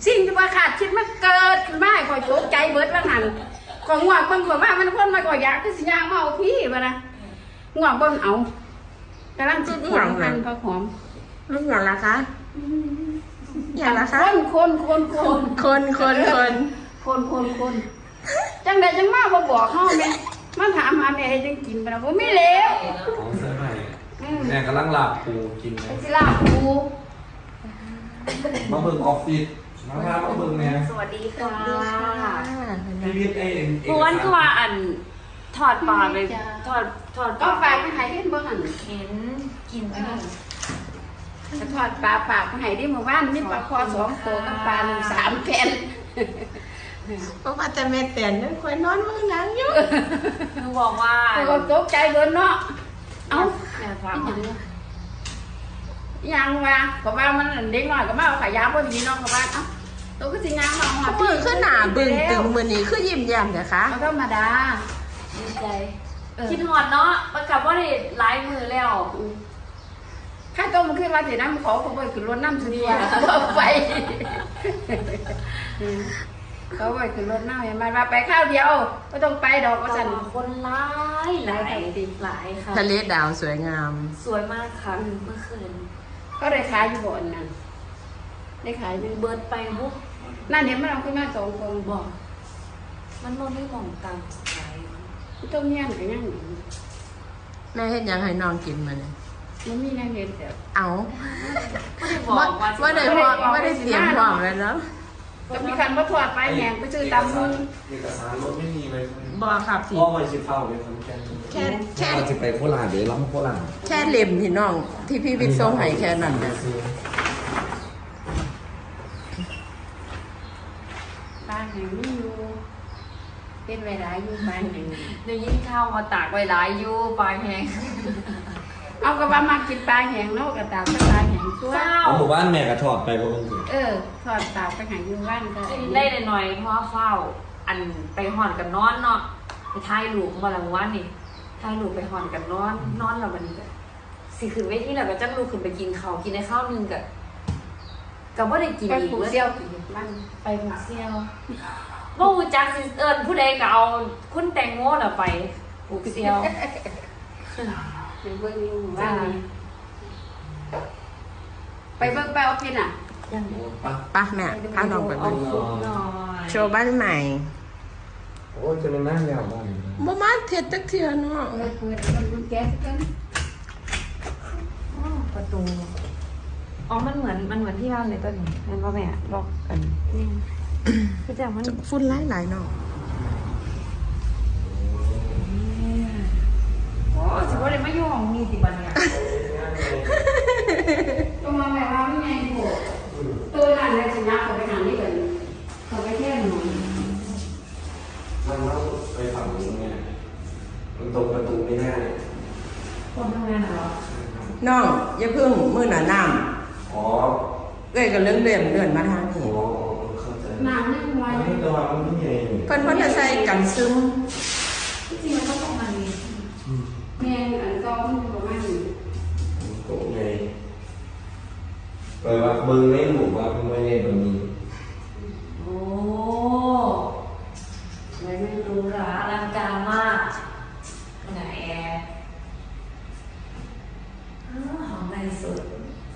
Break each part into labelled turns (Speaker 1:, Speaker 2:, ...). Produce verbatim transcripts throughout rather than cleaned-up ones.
Speaker 1: สิ่งที่ว่าขาดคิดมันเกิดขึ้นมาคอยโจใจเบิดว่าหันของงวกเบิ่งข่อยว่ามันคนมาก่อยอยากคือสิย่างมาเอาพี่บ่นะงวกเบิ่งเอากำลังจิตหอมหันผักหอม
Speaker 2: ลูกอย่างละคะอย่างละคะ
Speaker 1: คนคนคนคน
Speaker 2: คนคนคน
Speaker 1: คนคนคนจังใดจังมาบ่บอกเฮาแม่มันถามหาแม่ให้จังกินบ่ล่ะบ่มีแล้ว
Speaker 3: ของเสื้อใหม่แม่กำลังลาบปูกินไหม
Speaker 1: สิลาบปู
Speaker 3: มาเบิ่งออฟฟิศมาพามาเบิ่งแม่
Speaker 4: สวัสดีค่ะ
Speaker 3: พี่วิทย์ไอ้เอ็น
Speaker 4: เพราะว่าคือว่าอันถอดปากเลยถอดถอด
Speaker 1: ก็ฝากไปให้เห็นบ่หั่น
Speaker 4: เห็นกินอะไร
Speaker 1: จะทอดปลาปากให้ได้เมื่อวานมีปลาคอสองตัวกับปลาหนึ่งสามแผ่น
Speaker 2: เพราะว่าแต่แม่แต่นนั่นคอยนอนมือหนังอยู่
Speaker 4: หนูบอกว่า
Speaker 1: ก็ตกใจเบิดเนาะเอ้า
Speaker 4: แม่ฟัง
Speaker 1: ยังว่าเพราะว่ามันเด็กน้อยก็มาเอาขายาพอดีเนาะเพราะว่าเอ้าตัวก็สิงามมาหอด
Speaker 2: มือขึ้นหนาบึ้งตึงมือนี้คือยิ้มแย้มนะคะ
Speaker 1: เขาธรรมดา
Speaker 4: ดีใจคิดหอดเนาะมันกลับว่าได้หลายมือแล้ว
Speaker 1: ข้าต้มขึ้นมาเสร็จน้ำขอเขาไปขึ้นรถน้ำสุดีเขาไปเขาไปขึ้นรถน้ำเห็นไหมมาไปข้าวเดียวไม่ต้องไปดอกก็สั่น
Speaker 4: คนร้ายหลายหลายค่ะ
Speaker 2: ทะเลดาวสวยงาม
Speaker 4: สวยมากค่ะเมื่อคืน
Speaker 1: ก็ได้ขายอยู่บ่อนนั่นได้ขายเป็น
Speaker 4: เบิร์ดไปบุ๊ก
Speaker 1: นั่นเห็นมันเอาขึ้นมาสองคน
Speaker 4: บอกมันมองไม่มองตามใจ
Speaker 1: ต้มยำกับย่าง
Speaker 2: แม่เห็นยังให้น้องกินมาเนี่ย
Speaker 1: มันมีนาเห็นแต่
Speaker 2: เอา
Speaker 4: ว่า
Speaker 2: ว่าได้พอว่าได้เตรียมพร้อมแล้วเนาะ
Speaker 1: ก็มีการมาทอดไปแหงไปซื้อตามมือ
Speaker 3: เอกสารรถไม่มีเลย
Speaker 2: บอครับสิ
Speaker 3: พ่อไปชิเฝ้าเลยคนแค่
Speaker 2: แค่แค่
Speaker 3: จะไปโคราชเดี๋ยวล้ำโคราช
Speaker 2: แค่เล่มที่น้องที่พี่วิทย์ส่งให้แค่นั้นนะ
Speaker 1: บ้านแห่งนี้อยู่เป็นเวลาอยู่บ้านแห่ง
Speaker 4: เดี๋ยวยิ่งข้าวมาตากไว้หลายอยู่ปลาแห้ง
Speaker 1: เอากระบะมากินปลาแห้งเนาะกระตากปลาแห้งชั่ว
Speaker 3: เอาหมู่บ้านแม่กระทอดไปเพราะมันคือ
Speaker 1: เออทอดตากไปหาอยู่บ้านก็
Speaker 4: ได้หน่อยเพราะเฝ้าอันไปห่อนกับนอนเนาะไปทายลูกมาหลังวันนี่ทายลูกไปห่อนกับนอนนอนเราวันนี้ก็สิขึ้นเวทีแล้วก็จังลูกขึ้นไปกินข้าวกินในข้าวนึงกับกับว่าได้กินอีก
Speaker 1: เซี่ยวมัน
Speaker 4: ไปผูกเซี่ยวว่าอูจักซิเอิญผู้ใดก็เอาคุณแตงโมน่ะไปผูกเซี่ยว
Speaker 1: ไปเบิ่งอยู่บ้านไปเบิ่งไปออฟฟิศอ่ะ
Speaker 2: ป้าแม่พาน้องไปเบิ่งโชว์บ้านใหม่
Speaker 3: โอ้จะเป็นนั่งยาวบ้าน
Speaker 2: บ่มาเท็ดตักเทื่อเนาะ
Speaker 1: เปิดมันแก๊สกัน
Speaker 4: ประตูอ๋อมันเหมือนมันเหมือนที่บ้านเลยต้นเห็นป่ะแม่ล็อกกันคือจะมัน
Speaker 2: ฝุ่นหลายหลายเนาะ
Speaker 4: โอ้สิว่าเลยไม่ยุ่งมีสิบันเนี่ย
Speaker 1: ตัวมาแบบว่าไม่ไงโหตัวนั่นเลยสินะเขาไปหานี่กันเขาไปเที่ยวหนู
Speaker 3: มันต้องไปฝั่งนี้ไงมันตรงประตูไม่ได้
Speaker 4: คนทำงานเหรอ
Speaker 2: น้องอย่าเพิ่งมือหนาน้ำ
Speaker 3: อ๋อ
Speaker 2: เอ้ยก็เลื่อนเลื่อนเลื่อนมาทางนี้
Speaker 1: น้ำนี่ไว้
Speaker 3: นี่ตัวมันไม่ใหญ่
Speaker 2: เพิ่นเพิ่นจะใส่กันซึม
Speaker 4: จริงๆมันต้องประมาณนี้
Speaker 1: แม่อันก็มันประมาณนี้
Speaker 3: โอ้ไงเปิดว่ามึงไม่หนูว่ามึงไม่ได้แบบนี้
Speaker 4: โอ้ไม่ไม่รู้ละอลังการมากไหนแอร์หอมในสุด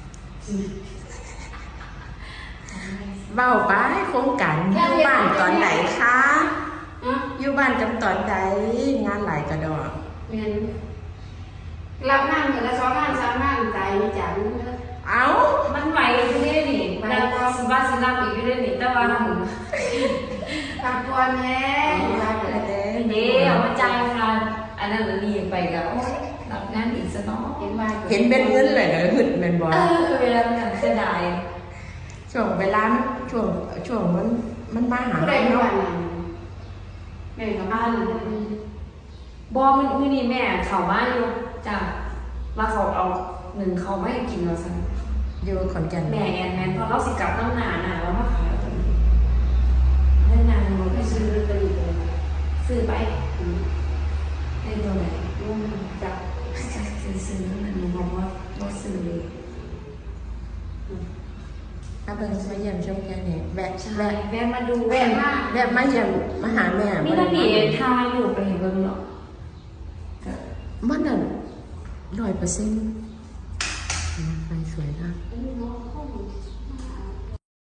Speaker 2: เบ้าป้าโครงการอยู่บ้านตอนไหนคะอยู่บ้านกันตอนใดงานหลายกระดอก
Speaker 1: เรียนรับงานเหมือนละสองงานสามงานใจจัง
Speaker 2: เอ้า
Speaker 4: มันไหวอยู่ได้หนิมันสิบ้าสิรับอีกอยู่ได้หนิแต่ว่าท
Speaker 1: ำทำตัวแม่
Speaker 4: เดี๋ยวมาใจค่ะอันนั้นเราดีไปกับรับงานอีกสักน้อย
Speaker 1: เห็นไหม
Speaker 2: เห็นเป็นเงินเลยก็หึดเป็นบอล
Speaker 4: เออเวลามันเสียดาย
Speaker 2: ช่วงเวลาช่วงช่วงมันมันมาหา
Speaker 1: แม่เนาะแม่กับบ้าน
Speaker 4: บอมันมือนี่แม่เขามาอยู่จ้ะมาเขาเอาหนึ่งเขาไม่กินเราสั่ง
Speaker 2: อยู่ขอนแก่น
Speaker 4: แม่แอนแมนพอเราสิกลับน้ำหนาหนาแล้วมาขายเอาเล่นนานมันไปซื้อไปเลยซื้อไปให้ตัวไหนรุ่งจับซื้อซื้อนั่นหนูบอกว่าว่าซื้อเลย
Speaker 2: ถ้าเป็นมาเยี่ยมชมแค่นี้แวะะ
Speaker 4: ใช่
Speaker 2: แวะ
Speaker 4: แวะมาดู
Speaker 1: แว่นมาก
Speaker 2: แวะมาเยี่ยมมาหาแม่
Speaker 4: นี่ถ้ามีทายอยู่ไปเห็นเบิ่งเนาะ
Speaker 2: มันนั่นร้อยเปอร์เซ็นต์